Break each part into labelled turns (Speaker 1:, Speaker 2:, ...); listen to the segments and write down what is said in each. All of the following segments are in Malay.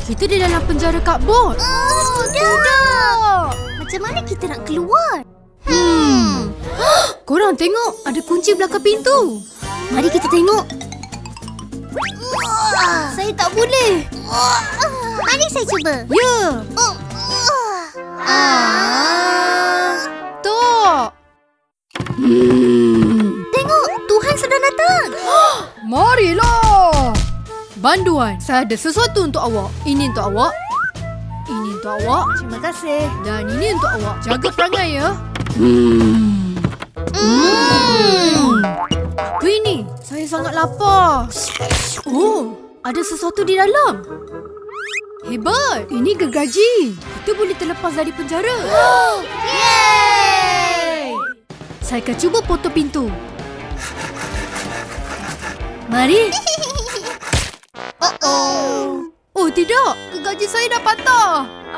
Speaker 1: Kita di dalam penjara cupboard.
Speaker 2: Tidak. Macam mana kita nak keluar?
Speaker 1: Korang tengok, ada kunci belakang pintu.
Speaker 2: Mari kita tengok.
Speaker 1: Saya tak boleh.
Speaker 2: Mari saya cuba.
Speaker 1: Ya. Tak.
Speaker 2: Tengok, Tuhan sedang datang.
Speaker 1: Marilah. Banduan, saya ada sesuatu untuk awak. Ini untuk awak. Ini untuk awak.
Speaker 2: Terima kasih.
Speaker 1: Dan ini untuk awak. Jaga perangai ya. Apa ini? Saya sangat lapar. Oh, ada sesuatu di dalam. Hebat. Ini gergaji. Kita boleh terlepas dari penjara.
Speaker 2: Yeay!
Speaker 1: Saya akan cuba potong pintu. Mari. Oh tidak, gergaji saya dah patah.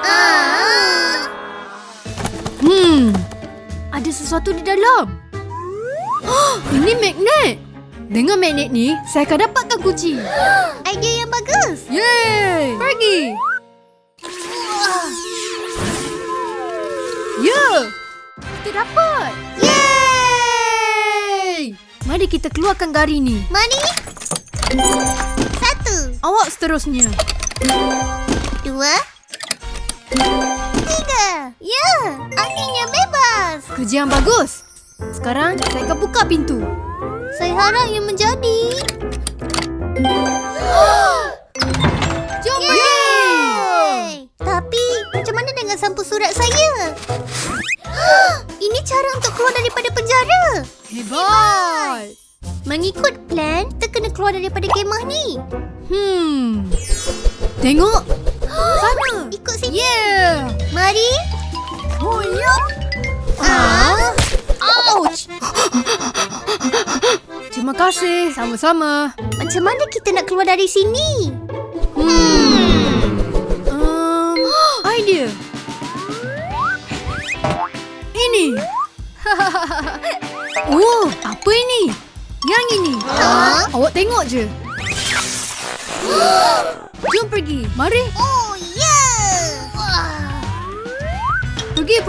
Speaker 1: Ada sesuatu di dalam. Ini magnet. Dengan magnet ni, saya akan dapatkan kunci.
Speaker 2: Idea yang bagus.
Speaker 1: Yeay! Pergi. Ya! Kita dapat. Yeay! Mari kita keluarkan gari ni.
Speaker 2: Mari. 1,
Speaker 1: Awak seterusnya.
Speaker 2: 2, 3. Ya, akhirnya bebas.
Speaker 1: Kerja yang bagus. Sekarang saya akan buka pintu.
Speaker 2: Saya harap yang menjadi.
Speaker 1: Jom pergi.
Speaker 2: Yeay! Tapi, macam mana dengan sampul surat saya? Ini cara untuk keluar daripada penjara.
Speaker 1: Hebat.
Speaker 2: Mengikut plan, kita kena keluar daripada kemah ni.
Speaker 1: Tengok. Sana.
Speaker 2: Ikut sini.
Speaker 1: Yeah.
Speaker 2: Mari.
Speaker 1: Oh, ya. Ouch. Terima kasih. Sama-sama.
Speaker 2: Macam mana kita nak keluar dari sini?
Speaker 1: Idea. Ini. Oh, apa ini? Yang ini. Awak tengok je. Jom pergi. Mari.
Speaker 2: Oh, ya.
Speaker 1: Pergi.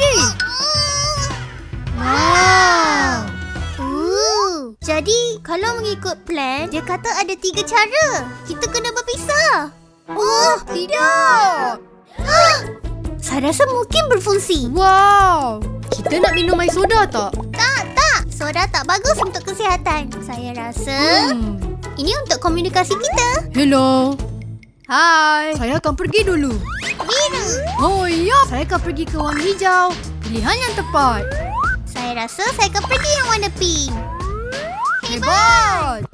Speaker 1: Wow.
Speaker 2: Jadi, kalau mengikut plan, dia kata ada 3 cara. Kita kena berpisah. Oh,
Speaker 1: Tidak.
Speaker 2: saya rasa mungkin berfungsi.
Speaker 1: Wow. Kita nak minum air soda tak?
Speaker 2: Tak. Soda tak bagus untuk kesihatan. Saya rasa ini untuk komunikasi kita.
Speaker 1: Hello. Hai. Saya akan pergi dulu.
Speaker 2: Biru.
Speaker 1: Oh, ya. Saya akan pergi ke warna hijau. Pilihan yang tepat.
Speaker 2: Saya rasa saya akan pergi yang warna pink.
Speaker 1: Hebat.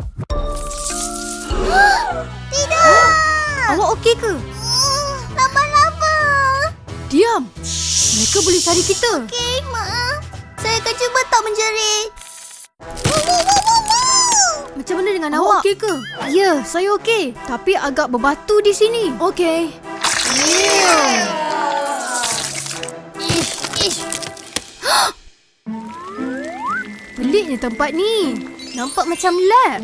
Speaker 2: Tidak.
Speaker 1: Awak okey ke?
Speaker 2: Laba-laba.
Speaker 1: Diam. Mereka boleh cari kita.
Speaker 2: Okey, maaf. Saya akan cuba tak menjerit.
Speaker 1: Macam mana dengan awak? Okey ke? Ya, saya okey. Tapi agak berbatu di sini. Okey. Peliknya tempat ni. Nampak macam lab.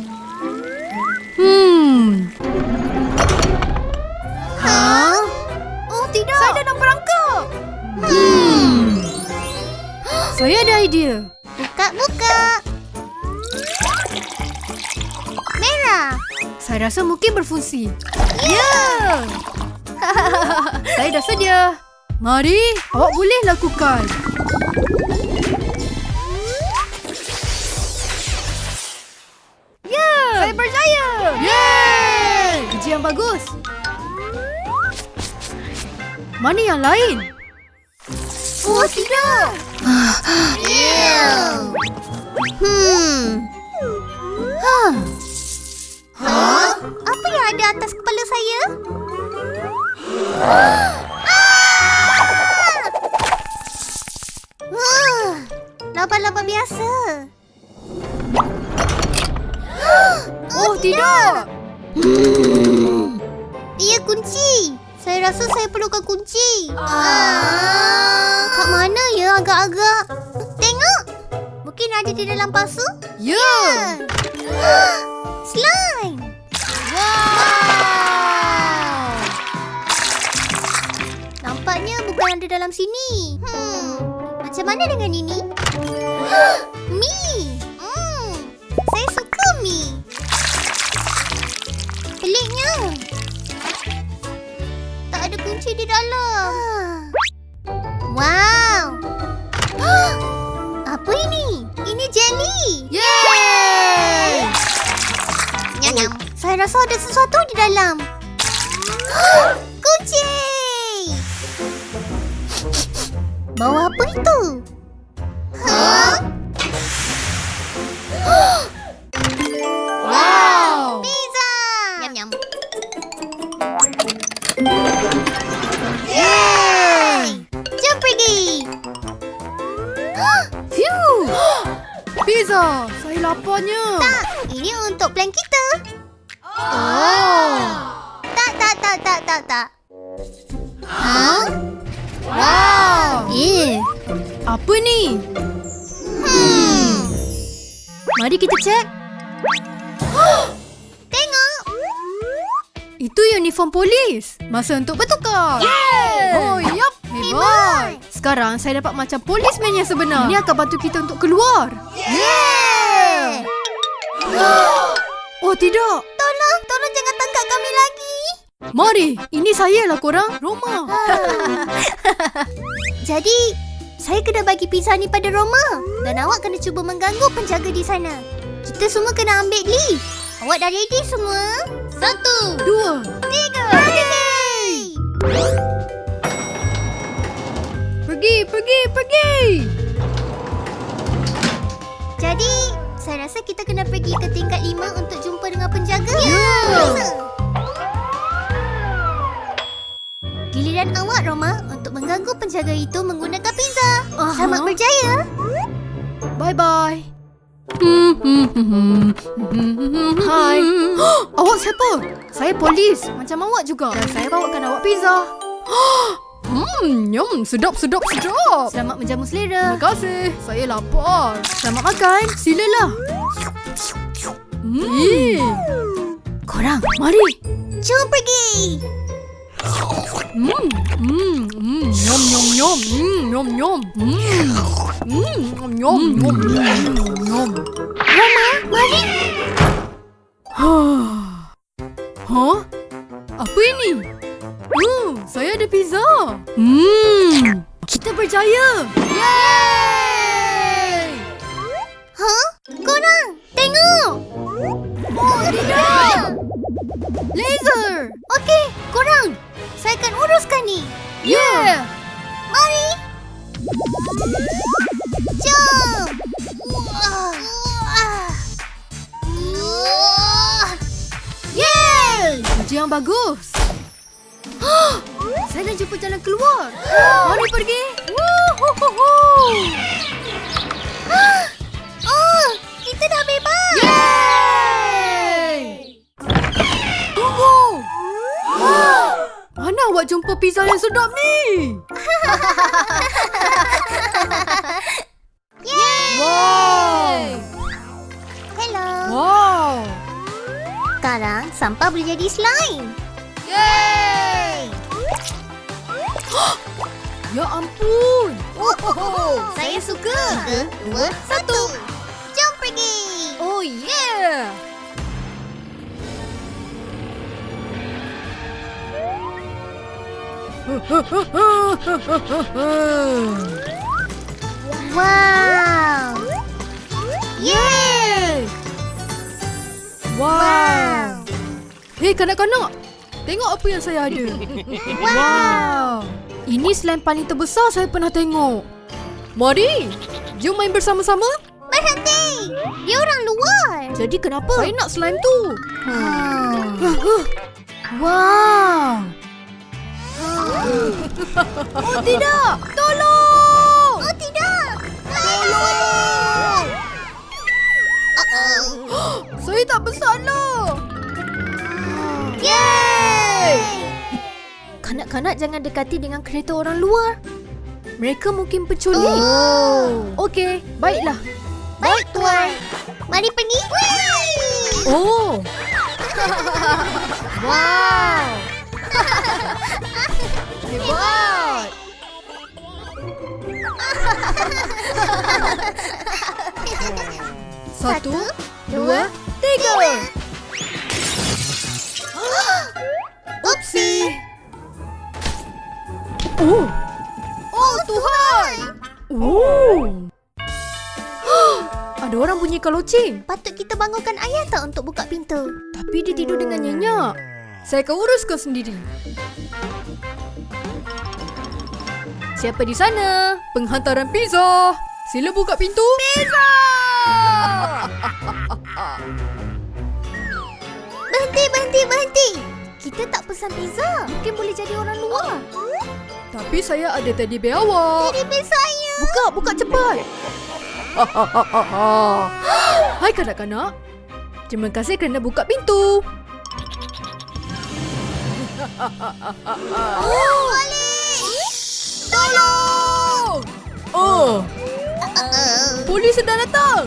Speaker 1: Oh, tidak. Saya dalam perangkap. Saya ada idea.
Speaker 2: Buka. Merah.
Speaker 1: Saya rasa mungkin berfungsi. Ya! Saya dah sedia. Mari, awak boleh lakukan. Ya! Saya berjaya! Yeay! Kerja yang bagus. Mana yang lain?
Speaker 2: Oh, tidak. Apa yang ada atas kepala saya? Laba-laba biasa.
Speaker 1: Oh, tidak!
Speaker 2: Ia kunci. Saya rasa saya perlukan kunci. Kat mana ya agak-agak? Tengok. Mungkin ada di dalam pasu.
Speaker 1: Ya!
Speaker 2: Slime.
Speaker 1: Wow!
Speaker 2: dalam sini. Macam mana dengan ini? Mi. Saya suka mi. Peliknya. Tak ada kunci di dalam. Wow. Apa ini? Ini jelly.
Speaker 1: Yeay!
Speaker 2: Nyam. Saya rasa ada sesuatu di dalam. Kunci. Bawa apa itu?
Speaker 1: Wow!
Speaker 2: Pizza. Nyam.
Speaker 1: Yeay!
Speaker 2: Jom pergi.
Speaker 1: Phew! Pizza! Saya laparnya.
Speaker 2: Tak, ini untuk plan kita.
Speaker 1: Oh!
Speaker 2: Tak.
Speaker 1: Wow! Apa ni? Mari kita cek.
Speaker 2: Tengok.
Speaker 1: Itu uniform polis. Masa untuk bertukar. Oh, yup. Hebat. Sekarang saya dapat macam polisman yang sebenar. Ini akan bantu kita untuk keluar.
Speaker 2: Yeah.
Speaker 1: Oh, tidak.
Speaker 2: Tolong jangan tangkap kami lagi.
Speaker 1: Mari, ini saya lah korang. Roma.
Speaker 2: Jadi, saya kena bagi pizza ni pada Roma. Dan awak kena cuba mengganggu penjaga di sana. Kita semua kena ambil leave. Awak dah ready semua? 1,
Speaker 1: 2,
Speaker 2: 3.
Speaker 1: Pergi.
Speaker 2: Jadi, saya rasa kita kena pergi ke tingkat 5 untuk jumpa dengan penjaga. Giliran awak, Roma, untuk mengganggu penjaga itu menggunakan pizza. Selamat berjaya.
Speaker 1: Bye-bye. Hai. Awak siapa? Saya polis. Macam awak juga. Dan saya bawakan awak pizza. Nyam, sedap.
Speaker 2: Selamat menjamu selera.
Speaker 1: Terima kasih. Saya lapar. Selamat makan. Silalah. Korang, mari.
Speaker 2: Jom pergi. Roma, mari.
Speaker 1: Hah? Apa ini? Saya ada pizza. Kita berjaya. Yeay!
Speaker 2: Korang, tengok. Oh, tidak.
Speaker 1: Laser!
Speaker 2: Okey, korang. Saya akan uruskan ni.
Speaker 1: Yeah!
Speaker 2: Mari. Jom.
Speaker 1: Yeay! Kerja yang bagus. Saya dah jumpa jalan keluar. Mari pergi.
Speaker 2: Oh, kita dah bebas.
Speaker 1: Yeay! Tunggu. Mana awak jumpa pizza yang sedap ni? Wow!
Speaker 2: Hello.
Speaker 1: Wow!
Speaker 2: Sekarang sampah boleh jadi slime.
Speaker 1: Yeay! Ya ampun!
Speaker 2: Saya suka. 3, 2, 1. Jom pergi.
Speaker 1: Oh yeah!
Speaker 2: Wow.
Speaker 1: Yeay! Wow! Hei kanak-kanak, tengok apa yang saya ada. Wow! Ini slime paling terbesar saya pernah tengok. Mari, jom main bersama-sama.
Speaker 2: Berhenti. Dia orang luar.
Speaker 1: Jadi kenapa? Saya nak slime tu. Wow! Oh tidak! Tolong!
Speaker 2: Oh tidak.
Speaker 1: Tolong! Saya tak bersalah.
Speaker 2: Yeay.
Speaker 1: Kanak-kanak jangan dekati dengan kereta orang luar. Mereka mungkin penculik. Okey, baiklah.
Speaker 2: Baik, Tuan. Mari pergi.
Speaker 1: Oh! Wow! Hebat! Satu, dua, tiga. Upsi. Oh. Oh, Tuhan. Oh. Ada orang bunyikan loceng.
Speaker 2: Patut kita bangunkan ayah tak untuk buka pintu?
Speaker 1: Tapi dia tidur dengan nyenyak. Saya akan uruskan sendiri. Siapa di sana? Penghantaran pizza. Sila buka pintu. Pizza!
Speaker 2: Berhenti. Kita tak pesan pizza. Mungkin boleh jadi orang luar.
Speaker 1: Tapi saya ada teddy bear awak.
Speaker 2: Teddy bear saya.
Speaker 1: Buka cepat. Hai kanak-kanak. Terima kasih kerana buka pintu. Tolong! Oh, polis sedang datang.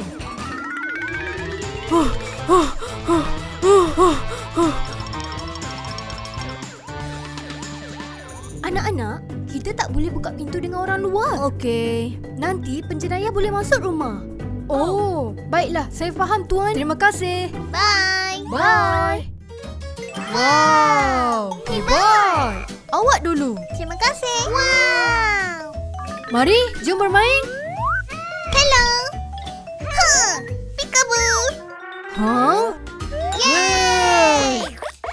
Speaker 2: Anak-anak, kita tak boleh buka pintu dengan orang luar.
Speaker 1: Okey.
Speaker 2: Nanti penjenayah boleh masuk rumah.
Speaker 1: Oh, baiklah. Saya faham, Tuan. Terima kasih.
Speaker 2: Bye.
Speaker 1: Bye. Wow, hebat. Awak dulu.
Speaker 2: Terima kasih. Wow.
Speaker 1: Mari, jom bermain.
Speaker 2: Hello. Peekaboo.
Speaker 1: Huh?
Speaker 2: Yay.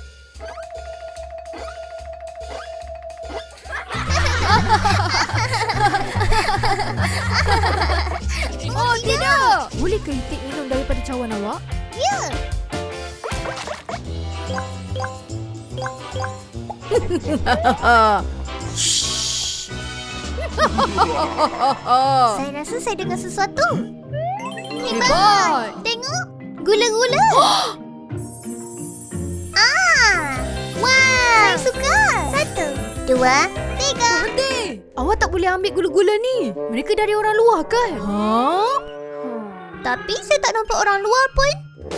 Speaker 1: Oh, tidak. Bolehkah itik minum daripada cawan awak?
Speaker 2: Ya. Saya rasa saya dengar sesuatu.
Speaker 1: Hebat.
Speaker 2: Tengok. Gula-gula. Wow. Saya suka. 1, 2, 3.
Speaker 1: Berhenti. Awak tak boleh ambil gula-gula ni. Mereka dari orang luar kan? Huh?
Speaker 2: Tapi saya tak nampak orang luar pun.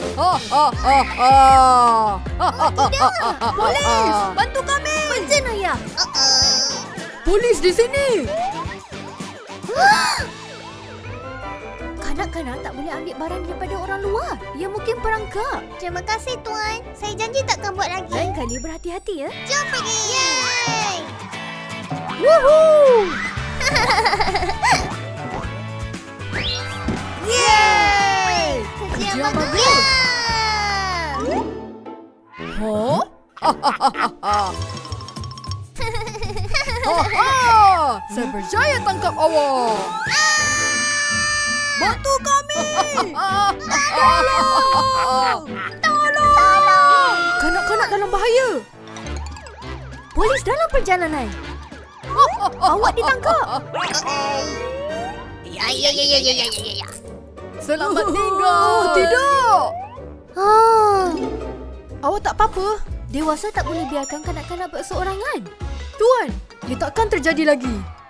Speaker 1: Polis, bantu kami.
Speaker 2: Penjenayah.
Speaker 1: Polis di sini.
Speaker 2: Kanak-kanak tak boleh ambil barang daripada orang luar. Ia mungkin perangkap. Terima kasih, Tuan. Saya janji takkan buat lagi.
Speaker 1: Lain kali berhati-hati ya.
Speaker 2: Jom pergi. Yeay.
Speaker 1: Woohoo!
Speaker 2: Yeay.
Speaker 1: Kerja
Speaker 2: Kerja
Speaker 1: bagus.
Speaker 2: bagus.
Speaker 1: Huh? Saya berjaya tangkap awak. Bantu kami. Tolong. Kanak-kanak dalam bahaya.
Speaker 2: Polis dalam perjalanan. Awak ditangkap. Ya.
Speaker 1: Selamat tinggal. Oh, tidak. Awak tak apa-apa?
Speaker 2: Dewasa tak boleh biarkan kanak-kanak berseorangan.
Speaker 1: Tuan, ia takkan terjadi lagi.